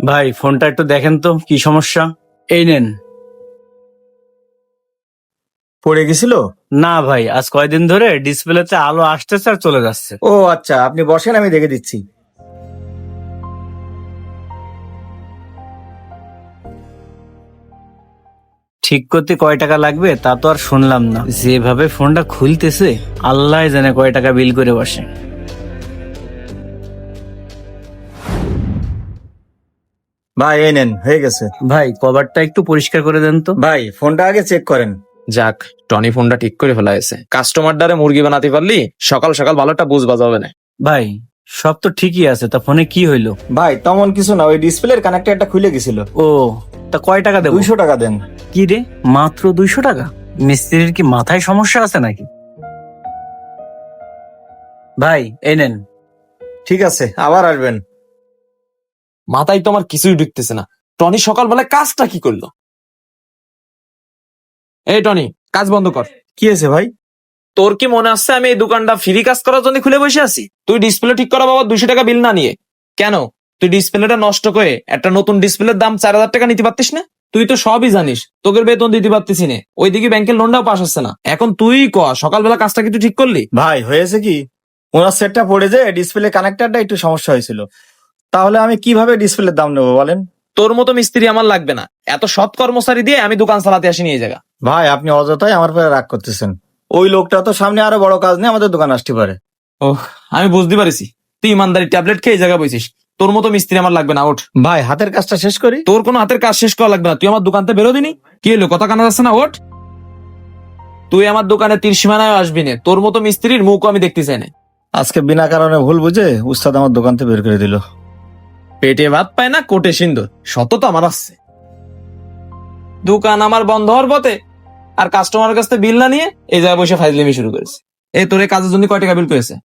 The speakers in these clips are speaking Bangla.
ভাই ফোনটা একটু দেখেন তো কি সমস্যা। এই নেন। পড়ে গেছিল? না ভাই, আজ কয়দিন ধরে ডিসপ্লেতে আলো আসতেছে আর চলে যাচ্ছে। ও আচ্ছা, আপনি বসেন, আমি দেখে দিচ্ছি। ঠিক করতে কয় টাকা লাগবে তা তো আর শুনলাম না, যেভাবে ফোনটা খুলতেছে আল্লাহ জানে কয় টাকা বিল করে বসে। ভাই এই নেন, হয়ে গেছে। ভাই কভারটা একটু পরিষ্কার করে দেন তো। ভাই ফোনটা আগে চেক করেন। যাক, টনি ফোনটা ঠিক করে ফেলা হয়েছে। কাস্টমার দ্বারে মুরগি বানাতে পারলি সকাল সকাল ভালোটা বুঝ বাজাবে না। ভাই সব তো ঠিকই আছে, তা ফোনে কি হইলো? ভাই তেমন কিছু না, ওই ডিসপ্লের কানেক্টরটা খুলে গেছিল। ও, তা কয় টাকা দেবো? 200 টাকা দেন। কি রে, মাত্র 200 টাকা? মিস্ত্রির কি মাথায় সমস্যা আছে নাকি? ভাই এই নেন। ঠিক আছে, আবার আসবেন। মাথায় তো আমার কিছুই ঢুকতেছে না। টনি সকালবেলা কাজটা কি করলো? এই টনি, কাজ বন্ধ কর। কি হয়েছে ভাই? তোর কি মনে আসছে আমি এই দোকানটা ফ্রি কাজ করার জন্য খুলে বসে আছি? তুই ডিসপ্লে ঠিক করা বাবা 200 টাকা বিল না নিয়ে কেন? তুই ডিসপ্লেটা নষ্ট করে একটা নতুন ডিসপ্লের দাম 4000 টাকা নিতে পারতিস না? তুই তো সবই জানিস, তোকের বেতন দিতে পারতিস না, ওইদিকে ব্যাংকের লোনটাও পাস হচ্ছে না। এখন তুই ক সকালবেলা কাজটা কি তুই ঠিক করলি? ভাই হয়েছে কি, ওনার সেটটা পড়ে যে ডিসপ্লে কানেক্টরটা একটু সমস্যা হয়েছিল। তাহলে আমি কিভাবে ডিসপ্লের দাম নেবো বলেন? তোর মতো মিস্ত্রি আমার লাগবে না। এত সৎ কর্মচারী দিয়ে আমি দোকান চালাতে আসিনি এই জায়গা। ভাই আপনি অযথাই আমার উপরে রাগ করতেছেন। ওই লোকটা তো সামনে আরো বড় কাজ নিয়ে আমাদের দোকানে আসতে পারে। ওহ, আমি বুঝতে পারিছি তুই ইমানদারি ট্যাবলেট খেয়ে এই জায়গা বসিস। তোর মতো মিস্ত্রি আমার লাগবে না, ওঠ। ভাই হাতের কাজটা শেষ করি। তোর কোনো হাতের কাজ শেষ করা লাগবে না, তুই আমার দোকানতে বেরো দিনি। কি হলো, কথা কানা যাচ্ছে না? ওঠ। তুই আমার দোকানে তীর সীমানায় আসবি না, তোর মতো মিস্ত্রির মুখ আমি দেখতে চাই না। আজকে বিনা কারণে ভুল বুঝে উস্তাদ আমার দোকান থেকে বের করে দিল। পেটে ভাত পায় না কোটে সিন্দুর, সততা আমার আসছে। দোকান আমার বন্ধ হওয়ার পথে, আর কাস্টমারের কাছ থেকে বিল না নিয়ে এই জায়গায় বসে ফাইজলামি শুরু করেছে। এই তোর এই কাজের জন্য কয় টাকা বিল করেছে?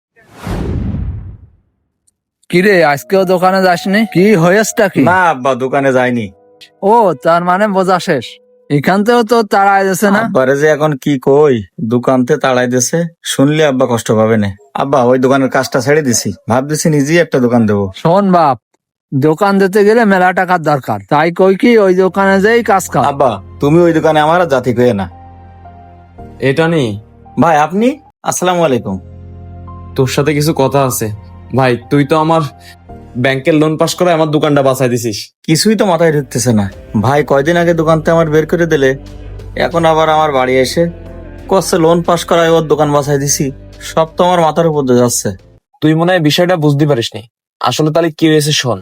কিরে, আজকেও দোকানে যাসনি? কি হয়েছটা কি? না আব্বা, দোকানে যায়নি। ও, তার মানে বোঝা শেষ। এখান থেকেও তো তাড়াই যাচ্ছে না। আব্বারে যে এখন কি কই, দোকানতে তাড়াই দিছে, শুনলে আব্বা কষ্ট পাবে না। আব্বা ওই দোকানের কাজটা ছেড়ে দিছি, ভাবতেছি নিজেই একটা দোকান দেবো। শোন বাপ, দোকান দিতে গেলে মেলা টাকার দরকার, তাই কই কি ওই দোকানে যেই কাজ কর। আব্বা তুমি ওই দোকানে আমার আর জাতি কয়ে না। এটা নেই ভাই আপনি, আসসালামু আলাইকুম। তোর সাথে কিছু কথা আছে ভাই। তুই তো আমার ব্যাংকের লোন পাস করে আমার দোকানটা বাঁচাই দিছিস। কিছুই তো মাথায় ঢুকতেছে না। ভাই কয়দিন আগে দোকানতে আমার বের করে দিলে, এখন আবার আমার বাড়ি এসে কষ্ট লোন পাস করায় ওর দোকান বাঁচাই দিছি। সব তো আমার মাথার উপর দিয়ে যাচ্ছে। তুই মনে হয় বিষয়টা বুঝতে পারিসনি। আসলে তাহলে কি হয়েছে শোন।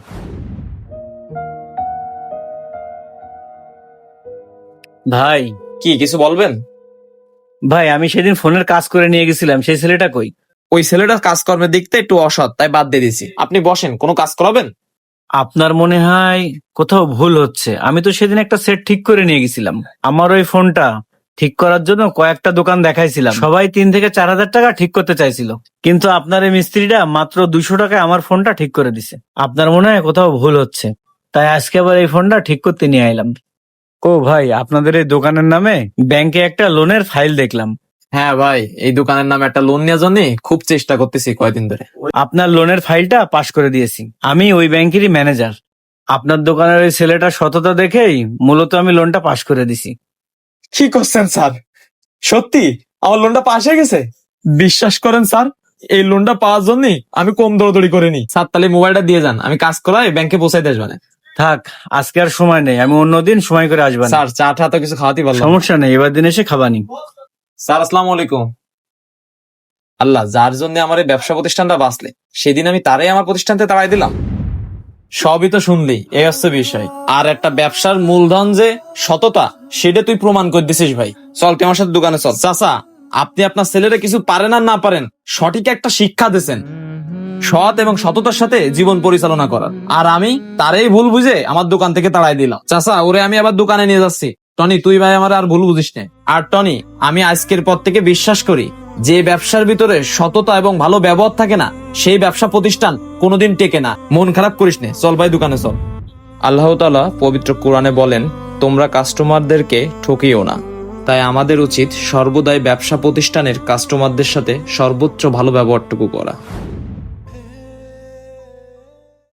ভাই কি কিছু বলবেন? ভাই আমি সেদিন ফোনের কাজ করে নিয়ে গেছিলাম, সেই ছেলেটা কই? ওই ছেলেটা কাজকর্মের দিকতে একটু অসৎ, তাই বাদ দিয়ে দিছি। আপনি বসেন, কোনো কাজ করাবেন? আপনার মনে হয় কোথাও ভুল হচ্ছে। আমি তো সেদিন একটা সেট ঠিক করে নিয়ে গেছিলাম। আমার ওই ফোনটা ঠিক করার জন্য কয়েকটা দোকান দেখাইছিলাম, সবাই 3 থেকে 4000 টাকা ঠিক করতে চাইছিল, কিন্তু আপনার এই মিস্ত্রিটা মাত্র 200 টাকায় আমার ফোনটা ঠিক করে দিছে। আপনার মনে হয় কোথাও ভুল হচ্ছে, তাই আজকে আবার এই ফোনটা ঠিক করতে নিয়ে আইলাম। ও ভাই, আপনাদের এই দোকানের নামে ব্যাংকে একটা লোনের ফাইল দেখলাম। হ্যাঁ ভাই, এই দোকানের নামে একটা লোন নেওয়ার জন্য খুব চেষ্টা করতেছি কয়দিন ধরে। আপনার লোনের ফাইলটা পাশ করে দিয়েছি। আমি ওই ব্যাংকেরই ম্যানেজার। আপনার দোকানের ওই ছেলেটার সততা দেখেই মূলত আমি লোনটা পাশ করে দিছি। কি করছেন স্যার? সত্যি আমার লোনটা পাস হয়ে গেছে? বিশ্বাস করেন স্যার, এই লোনটা পাওয়ার জন্য আমি কম দৌড়দৌড়ি করিনি। স্যার তাহলে মোবাইলটা দিয়ে যান, আমি কাজ করাই ব্যাংকে পৌঁছাই দিয়ে আসবেন। থাক, আজকে আর সময় নেই, আমি অন্যদিন সময় করে আসবেন। স্যার চা টা তো কিছু খাওয়াতে পারলাম না। সমস্যা নেই, এবার দিন এসে খাবানি। স্যার আসসালামু আলাইকুম। আল্লাহ, যার জন্য আমার এই ব্যবসা প্রতিষ্ঠানটা বাঁচলে সেদিন আমি তারাই আমার প্রতিষ্ঠানতে তাড়াই দিলাম। সবই তো শুনলি, এই হচ্ছে বিষয়। আর একটা ব্যবসার মূলধন যে সততা, সেটা তুই প্রমাণ করে দিছিস ভাই। চল তুই আমার সাথে দোকানে চল। চাচা, আপনি আপনার ছেলেরা কিছু পারেন আর না পারেন, সঠিক একটা শিক্ষা দিয়েছেন সৎ এবং সততার সাথে জীবন পরিচালনা করার। আর আমি তারই ভুল বুঝে আমার দোকান থেকে তাড়াই দিলাম। চাচা, ওরে আমি আবার দোকানে নিয়ে যাচ্ছি। টনি, তুই ভাই আমার আর ভুল বুঝিস না। আর টনি, আমি আজকের পর থেকে বিশ্বাস করি, যে ব্যবসার ভিতরে সততা এবং ভালো ব্যবহার থাকে না, সেই ব্যবসা প্রতিষ্ঠান কোনোদিন টেকে না। মন খারাপ করিস না, চল ভাই দোকানে চল। আল্লাহ তাআলা পবিত্র কোরআনে বলেন, তোমরা কাস্টমারদেরকে ঠকিও না। তাই আমাদের উচিত সর্বদাই ব্যবসা প্রতিষ্ঠানের কাস্টমারদের সাথে সর্বোচ্চ ভালো ব্যবহারটুকু করা।